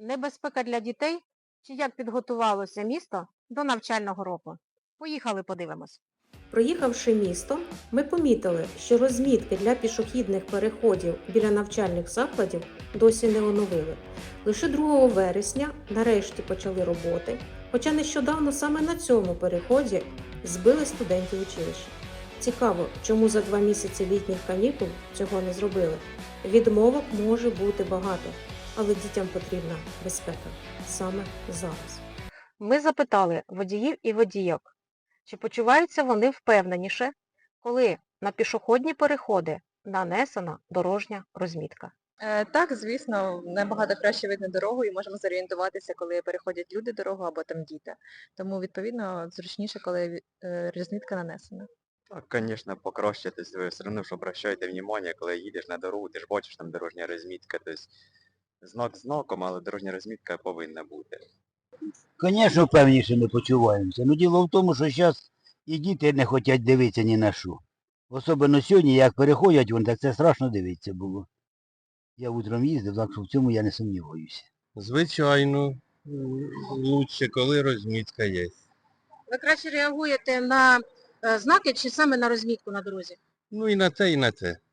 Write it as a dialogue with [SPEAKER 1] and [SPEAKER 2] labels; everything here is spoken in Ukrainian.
[SPEAKER 1] Небезпека для дітей чи як підготувалося місто до навчального року? Поїхали подивимось.
[SPEAKER 2] Проїхавши містом, ми помітили, що розмітки для пішохідних переходів біля навчальних закладів досі не оновили. Лише 2 вересня нарешті почали роботи, хоча нещодавно саме на цьому переході збили студентів училища. Цікаво, чому за 2 місяці літніх канікул цього не зробили. Відмовок може бути багато, але дітям потрібна безпека саме зараз.
[SPEAKER 1] Ми запитали водіїв і водійок, чи почуваються вони впевненіше, коли на пішохідні переходи нанесена дорожня розмітка.
[SPEAKER 3] Так, звісно, набагато краще видно дорогу і можемо зорієнтуватися, коли переходять люди дорогу або там діти. Тому, відповідно, зручніше, коли розмітка нанесена.
[SPEAKER 4] Так, конечно, покраще, то есть ви все одно ж обращаєте внимание, коли їдеш на дорогу, ти ж бачиш там дорожня розмітка, тобто знак знаком, але дорожня розмітка повинна бути.
[SPEAKER 5] Звісно, впевненіше не почуваємося. Ну діло в тому, що зараз і діти не хочуть дивитися ні на що. Особливо сьогодні, як переходять вони, так це страшно дивитися було. Я утром їздив, так що в цьому я не сумніваюся.
[SPEAKER 6] Звичайно, лучше, коли розмітка є.
[SPEAKER 1] Ви краще реагуєте на знаки чи саме на розмітку на дорозі?
[SPEAKER 6] Ну і на те, і на те.